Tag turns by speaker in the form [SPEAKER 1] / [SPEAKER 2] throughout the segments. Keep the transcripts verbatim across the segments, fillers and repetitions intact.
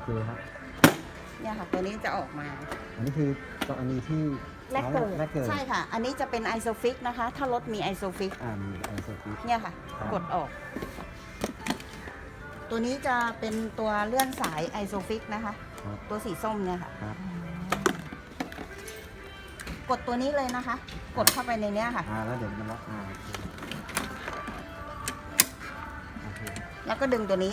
[SPEAKER 1] ครับ
[SPEAKER 2] เนี่ยค่ะตัวนี้จะออกมา
[SPEAKER 1] อันนี้คือตัวอันนี้ที่
[SPEAKER 3] แรกเกิด
[SPEAKER 1] แรกเกิด
[SPEAKER 2] ใช่ค่ะ อันนี้จะเป็นไอโซฟิกนะคะ ถ้ารถมีไอโซฟิก
[SPEAKER 1] อ่ามีไอโซฟิก
[SPEAKER 2] เนี่ยค่ะ
[SPEAKER 1] ครับ
[SPEAKER 2] กดออก ตัวนี้จะเป็นตัวเลื่อนสายไอโซฟิกนะคะ
[SPEAKER 1] ครับ
[SPEAKER 2] ตัวสีส้มเนี่ยค่ะ
[SPEAKER 1] ครับ
[SPEAKER 2] กดตัวนี้เลยนะคะ กดเข้าไปในเนี้ยค่ะ
[SPEAKER 1] อ่าแล้วเดี๋ยวมันล็อกอ่าโอเคโอเค
[SPEAKER 2] แล้วก็ดึงตัวนี้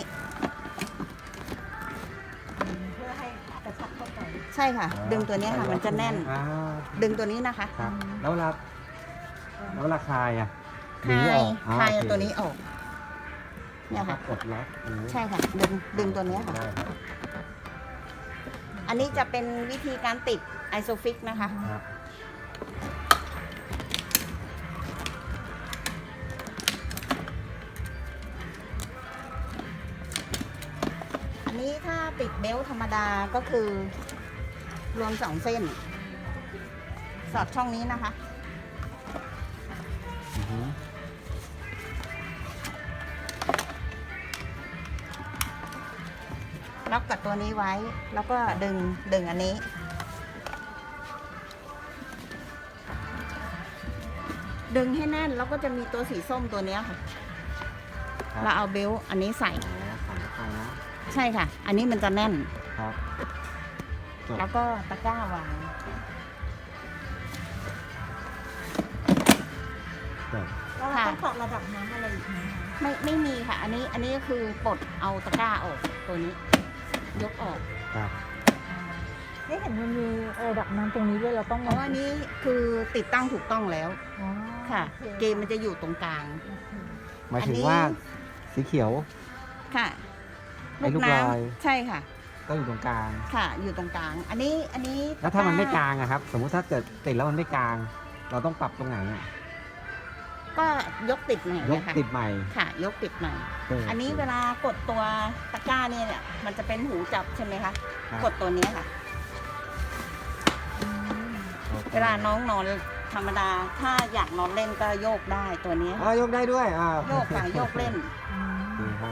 [SPEAKER 3] เพื่อให้กระชับเข้าไป
[SPEAKER 2] ใช่ค่ะ ดึงตัวเนี้ยค่ะ มันจะแน่น
[SPEAKER 1] อ่า
[SPEAKER 2] ดึงตัวนี้นะคะ
[SPEAKER 1] ครับแล้วเวลาแล้วเวลาคลายอ่ะ
[SPEAKER 2] คลาย
[SPEAKER 1] ออก
[SPEAKER 2] คลาย
[SPEAKER 1] โอเค
[SPEAKER 2] ตัวนี้ออก เนี่ยค่ะ
[SPEAKER 1] กดล็อกอันนี้
[SPEAKER 2] ใช่ค่ะ ดึง ดึงตัวเนี้ยค่ะ
[SPEAKER 1] ได้ครับ
[SPEAKER 2] อันนี้จะเป็นวิธีการติดไอโซฟิกนะคะ
[SPEAKER 1] ครับ
[SPEAKER 2] อันนี้ถ้าติดเบลต์ธรรมดาก็คือ รวมสองเส้น สอดช่องนี้นะคะ
[SPEAKER 1] อือฮึ
[SPEAKER 2] ล็อกกับตัวนี้ไว้ แล้วก็ดึง ดึงอันนี้ ดึงให้แน่น แล้วก็จะมีตัวสีส้มตัวเนี้ยค่ะ
[SPEAKER 1] ครับ
[SPEAKER 2] เราเอาเบลต์อันนี้ใส่
[SPEAKER 1] อ๋อใส่เข้าไปนะ
[SPEAKER 2] ใช่ค่ะ อันนี้มันจะแน่น
[SPEAKER 1] ครับจบ
[SPEAKER 2] แล้วก็ตะกร้าวาง
[SPEAKER 1] จบ
[SPEAKER 3] แล้วเราต้องปรับระดับน้ำอะไรอีกไหมคะ
[SPEAKER 2] ไม่ ไม่มีค่ะ อันนี้ อันนี้ก็คือปลดเอาตะกร้าออกตัวนี้ ยกออก
[SPEAKER 1] ครับ
[SPEAKER 3] นี่เห็นมันมีระดับน้ำตรงนี้ด้วยเราต้อง
[SPEAKER 2] เพราะว่าอันนี้คือติดตั้งถูกต้องแล้ว
[SPEAKER 3] อ๋อ
[SPEAKER 2] ค่ะ
[SPEAKER 3] โอ
[SPEAKER 2] เกมมันจะอยู่ตรงกลาง
[SPEAKER 3] โอเค
[SPEAKER 1] หมายถึ
[SPEAKER 2] อัน
[SPEAKER 1] ง
[SPEAKER 2] นี้
[SPEAKER 1] ว่าสีเขียว
[SPEAKER 2] ค่ะ
[SPEAKER 1] ไอ้ลูก
[SPEAKER 2] น้
[SPEAKER 1] ลอย
[SPEAKER 2] ำใช่ค่ะ
[SPEAKER 1] ก็อยู่ตรงกลาง
[SPEAKER 2] ค่ะ อยู่ตรงกลาง อันนี้ อันนี้
[SPEAKER 1] แล้วถ้ามันไม่กลางอะครับ สมมุติถ้าเกิดติดแล้วมันไม่กลาง เราต้องปรับตรงไหนอะ
[SPEAKER 2] ก็ยกติดใหม่
[SPEAKER 1] ย
[SPEAKER 2] เล
[SPEAKER 1] ก
[SPEAKER 2] ยค่ะ
[SPEAKER 1] ติดใหม่
[SPEAKER 2] ค่ะ ยกติดใหม่
[SPEAKER 1] เ
[SPEAKER 2] อันนี้เวลากดตัวตะกร้าเนี่ยเนี่ยมันจะเป็นหูจับใช่ไหมคะ
[SPEAKER 1] ครับ
[SPEAKER 2] กดตัวนี้ค่ะ
[SPEAKER 3] อืม
[SPEAKER 1] โอค
[SPEAKER 2] เวลาน้องนอนธรรมดา ถ้าอยากนอนเล่นก็โยกได้ตัวนี้
[SPEAKER 1] อ่ายกได้ด้วยอ่า
[SPEAKER 2] โยกค่ะโยกเล่น
[SPEAKER 3] อืม
[SPEAKER 1] ดีครับ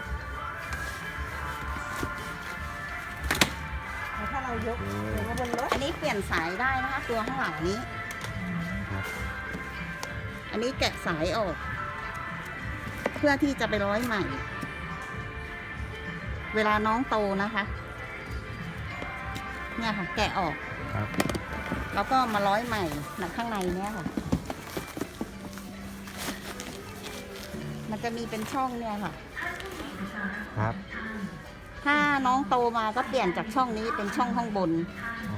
[SPEAKER 3] แล้วถ้าเรายก
[SPEAKER 1] โอเค
[SPEAKER 3] หรือว่าบนรถ
[SPEAKER 2] อันนี้เปลี่ยนสายได้นะคะ ตัวข้างหลังนี้
[SPEAKER 1] ครับ
[SPEAKER 2] อันนี้แกะสายออก เพื่อที่จะไปร้อยใหม่ เวลาน้องโตนะคะ เนี่ยค่ะ แกะออก
[SPEAKER 1] ครับ
[SPEAKER 2] แล้วก็มาร้อยใหม่หนักข้างในเนี้ยค่ะ มันจะมีเป็นช่องเนี่ยค่ะ
[SPEAKER 1] ครับ
[SPEAKER 2] ถ้าน้องโตมาก็เปลี่ยนจากช่องนี้เป็นช่องข้างบน
[SPEAKER 1] อ๋อ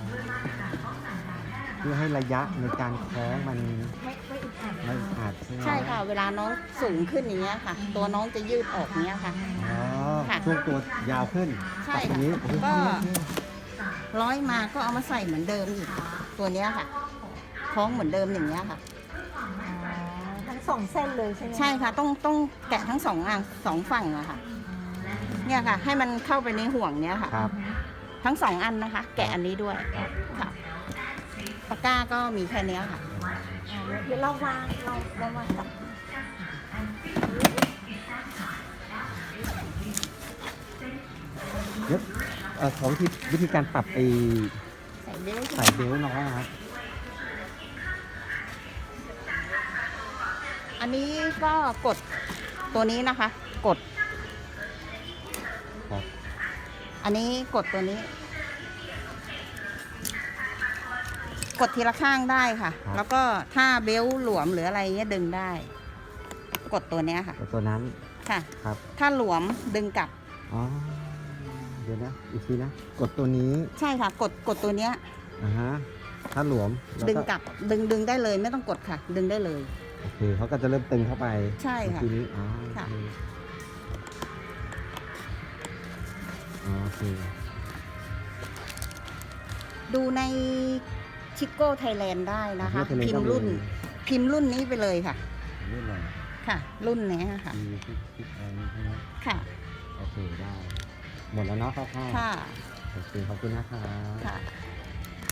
[SPEAKER 1] เพื่อให้ระยะในการคล้องมัน
[SPEAKER 3] ไม่ไม่อึดอัด
[SPEAKER 1] ไม่อาจใช่ไหม
[SPEAKER 2] ใช่ค่ะ เวลาน้องสูงขึ้นอย่างเงี้ยค่ะ ตัวน้องจะยืดออกเนี้ยค่ะ
[SPEAKER 1] อ๋อ
[SPEAKER 2] ค่ะ
[SPEAKER 1] ช่วงตัวยาวขึ้น
[SPEAKER 2] ใช่
[SPEAKER 1] ปรับตรง
[SPEAKER 2] ค่ะ
[SPEAKER 1] นี้โอ้โห
[SPEAKER 2] ก็
[SPEAKER 1] โอเค
[SPEAKER 2] ร้อยมาก็เอามาใส่เหมือนเดิมอีก ตัวเนี้ยค่ะ คล้องเหมือนเดิมอย่างเงี้ยค่ะ
[SPEAKER 3] อ๋อทั้งสองเส้นเลยใช่ไหม
[SPEAKER 2] ใช่ค่ะ ต้องต้องแกะทั้งสองอ่างสองฝั่งอะค่ะ เนี่ยค่ะ ให้มันเข้าไปในห่วงเนี้ยค่ะ
[SPEAKER 1] ครับ
[SPEAKER 2] ทั้งสองอันนะคะ แกะอันนี้ด้วย
[SPEAKER 1] ครับ
[SPEAKER 2] ค่ะตะกร้าก็มีแค่เนี้ยค่ะ
[SPEAKER 3] อ่าเดี๋ยวเราวางเราเราวางกับ
[SPEAKER 1] เดี๋ยวเอ่อขอวิธีวิธีการปรับไอ้
[SPEAKER 2] ใส่เบลต์
[SPEAKER 1] ใส่เบลต์น้องนะครับ
[SPEAKER 2] อันนี้ก็กดตัวนี้นะคะ กด
[SPEAKER 1] ครับ
[SPEAKER 2] อันนี้กดตัวนี้ กดทีละข้างได้ค่ะ แล้วก็ถ้าเบลต์หลวมหรืออะไรเงี้ยดึงได้ กดตัวเนี้ยค่ะ
[SPEAKER 1] แต่ตัวนั้น
[SPEAKER 2] ค่ะ
[SPEAKER 1] ครับ
[SPEAKER 2] ถ้าหลวมดึงกลับ
[SPEAKER 1] อ๋อ เดี๋ยวนะ อีกทีนะ กดตัวนี้
[SPEAKER 2] ใช่ค่ะ กดกดตัวเนี้ย
[SPEAKER 1] อ่าฮะ ถ้าหลวมแล้ว
[SPEAKER 2] ดึงกลับ ดึงดึงได้เลยไม่ต้องกดค่ะ ดึงได้เลย
[SPEAKER 1] โอเคเขาก็จะเริ่มตึงเข้าไป
[SPEAKER 2] ใช่ค่ะ
[SPEAKER 1] ทีนี้อ๋อ
[SPEAKER 2] ค่ะ
[SPEAKER 1] โอเค
[SPEAKER 2] ดูในชิโก้ไทยแลนด์ได้นะคะ
[SPEAKER 1] โอเค
[SPEAKER 2] พิมพ์รุ่น พิมพ์รุ่นนี้ไปเลยค่ะ
[SPEAKER 1] รุ่นอะไร
[SPEAKER 2] ค่ะ รุ่นนี้ค่ะ
[SPEAKER 1] มีคลิปคลิปอะไรนี่ใช่ไหม
[SPEAKER 2] ค่ะ
[SPEAKER 1] โอเคได้ หมดแล้วเนาะคร่าว
[SPEAKER 2] ค่ะ
[SPEAKER 1] ๆโอเคขอบคุณนะครับ
[SPEAKER 2] ค่ะ